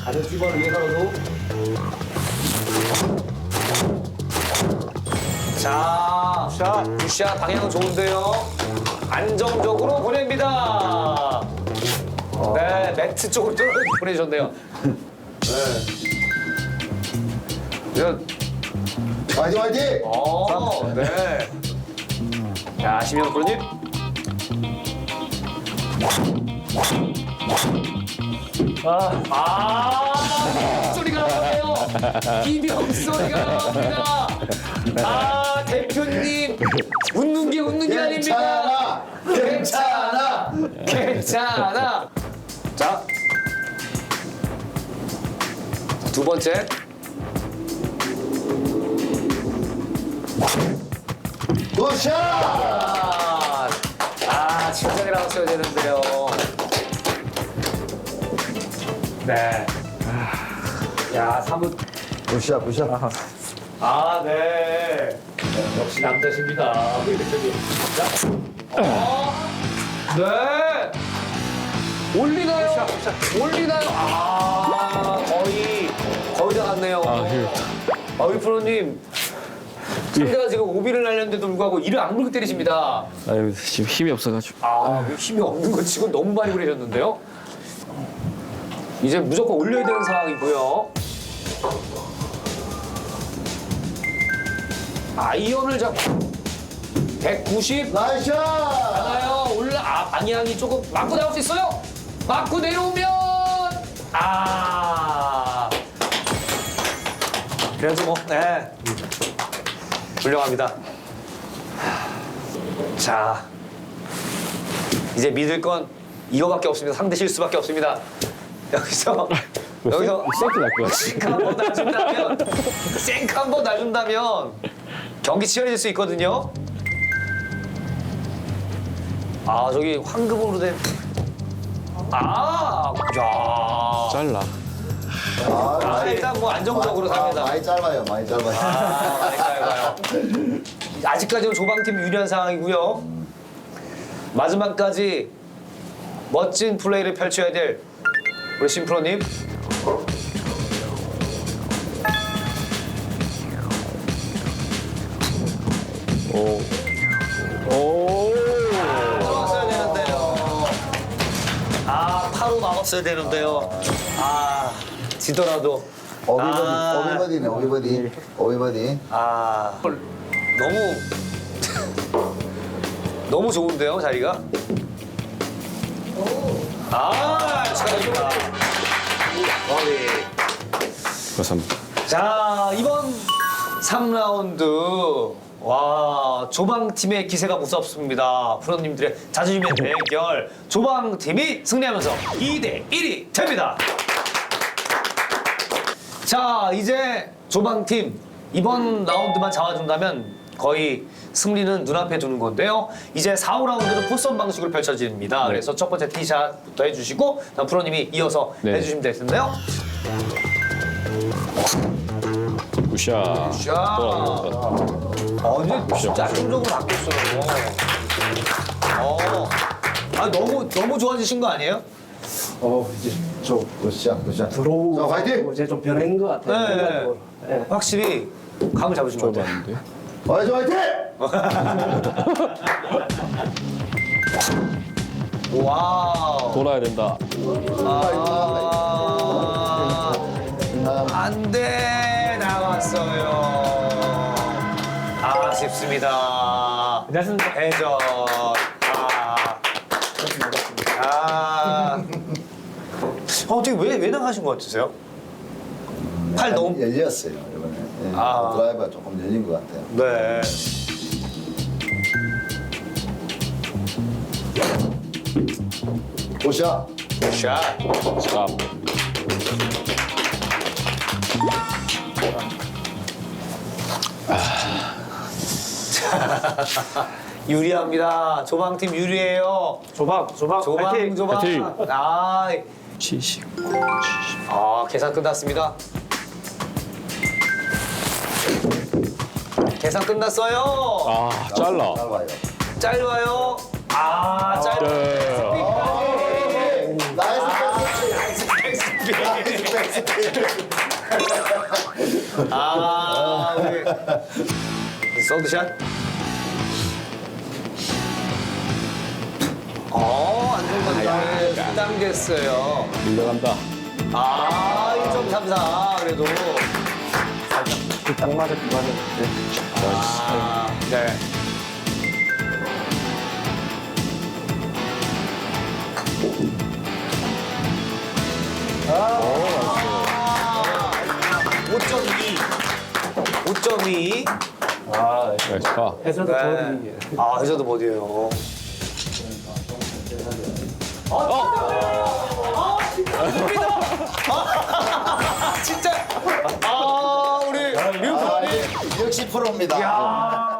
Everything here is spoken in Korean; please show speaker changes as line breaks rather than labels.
다른 찌번을 위해서라도. 자, 굿샷 방향 좋은데요. 안정적으로 보냅니다. 네, 매트 쪽으로 보내주셨네요. 네.
화이팅 화이팅!
네. 자, 심영 프로님. 소리가 나네요. 이명 소리가 나옵니다. 대표님 웃는 게 아닙니다. 괜찮아. 자, 두 번째.
굿샷!
침착이 나왔어야 되는데요. 네. 야, 사뭇.
굿샷 굿샷.
네. 역시 남자십니다. 우리 대표님. 자. 네. 올리나요? 거의 다 갔네요. 우리 프로님. 상대가 지금 오비를 날렸는데도 불구하고 이를 악물고 때리십니다.
아유, 지금 힘이 없어가지고.
힘이 없는 거 치고 너무 많이 그러셨는데요. 이제 무조건 올려야 되는 상황이고요. 아이언을 잡고 190
나이스 샷!
가나요? 방향이 조금 맞고 나올 수 있어요. 맞고 내려오면 그래도 뭐 훌륭합니다. 자, 이제 믿을 건 이거밖에 없습니다. 상대 실수밖에 없습니다. 여기서
세이프 날것 같아.
생크 한 번 놔준다면 경기 치열해질 수 있거든요. 저기 황금으로 된 야.
잘라.
일단 뭐 안정적으로 삽니다.
많이 짧아요.
많이 짧아요. 아직까지는 조방팀 유리한 상황이고요. 마지막까지 멋진 플레이를 펼쳐야 될 우리 심프로님. 막았어야 되는데요. 파로 막았어야 되는데요. 지더라도.
오비버디네 오비버디.
너무 좋은데요, 자리가? 축하드립니다.
감사합니다.
자, 이번 3라운드. 조방팀의 기세가 무섭습니다. 프로님들의 자존심의 대결. 조방팀이 승리하면서 2대1이 됩니다. 자, 이제 조방팀 이번 라운드만 잡아준다면 거의 승리는 눈앞에 두는 건데요. 이제 4, 5라운드는 포선 방식으로 펼쳐집니다. 그래서 첫 번째 티샷부터 해주시고 다음 프로님이 이어서 해주시면 될 텐데요.
굿샷.
이제 진짜 안정적으로 바뀌었어요. 너무 좋아지신 거 아니에요?
이제 좀 굿샷.
들어오고
자, 화이팅!
이제 좀 변한 것 같아요.
네.
생각으로. 네.
확실히 감을 잡으신 것 같아요.
좁았는데.
화이팅!
와우.
돌아야 된다.
안 돼, 나왔어요. 아쉽습니다.
괜찮습니다.
해전. 어떻게 왜 나가신 것 같으세요? 팔 너무.
열렸어요 이번에. 드라이버가 조금 열린 것 같아요.
네.
굿샷.
샷.
스탑.
유리합니다. 조방팀 유리해요.
조방. 파이팅.
파이팅.
70.
계산 끝났습니다. 계산 끝났어요.
잘라.
짧아요.
짧아요. 짧아요.
네.
나이스 패스.
아, 우리 서드샷. 안정감이 당겼어요.
밀려간다.
1.34 그래도.
딱 맞아, 그 맞아.
네. 오, 5.2.
아,
나이스 파.
해서도
네.
더
해저도 버디예요. 진짜. 우리 류프로님.
역시 프로입니다.